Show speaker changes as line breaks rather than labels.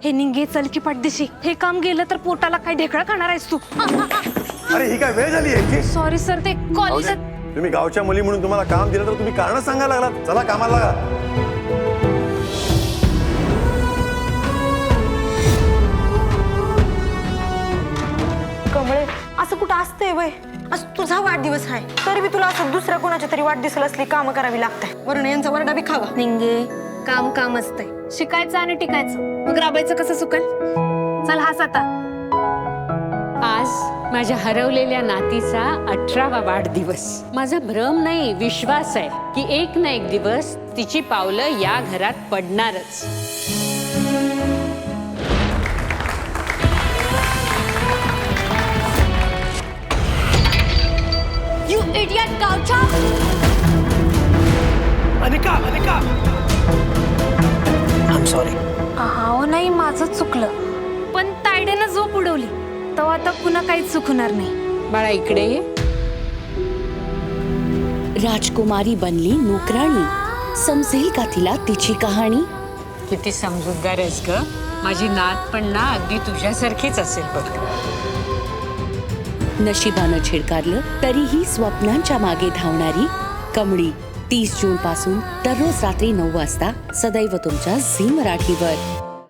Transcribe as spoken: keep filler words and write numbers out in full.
हे निंगे चल की पाठदिशी, हे काम गेलं तर पोटाला काय ढेकळा खाणार आहेस तू?
अरे ही काय वेळ झाली याची?
सॉरी सर, ते कॉलेज
तुम्ही गावच्या मुली म्हणून तुम्हाला काम दिलं तर तुम्ही कारण सांगायला लागलात. चला कामाला लागा.
कमळे, असं कुठं असतंय वय? आज तुझा वाढदिवस आहे तरी बी तुला असं दुसऱ्या कोणाच्या तरी वाढदिवसाला असली कामं करावी लागतंय. वरण यांचा वरडा बी खावा.
निंगे काम काम असतंय, शिकायचं आणि टिकायचं. मग राबायचं कसं सुकल? चल हास आता.
आज माझ्या हरवलेल्या नातीचा अठरावा वाढदिवस. माझा भ्रम नाही, विश्वास आहे की एक ना एक दिवस तिची पावलं या घरात पडणारच.
यू इडियट गावच्या.
Anika, Anika, I am sorry.
हो नाही, माझंच चुकलं. पण तायडेनं झोप उडवली तेव्हा आता पुन्हा काहीच चुकणार नाही.
बाळा इकडे ये.
राजकुमारी बनली नोकराणी. समजेल का तिला तिची कहाणी?
किती समजूतदार आहेस ग. माझी नात पण ना अगदी तुझ्यासारखीच असेल बघ.
नशिबानं छिडकारलं तरीही स्वप्नांच्या मागे धावणारी कमळी. तीस जून पासून दररोज रात्री नऊ वाजता सदैव तुमच्या झी मराठीवर.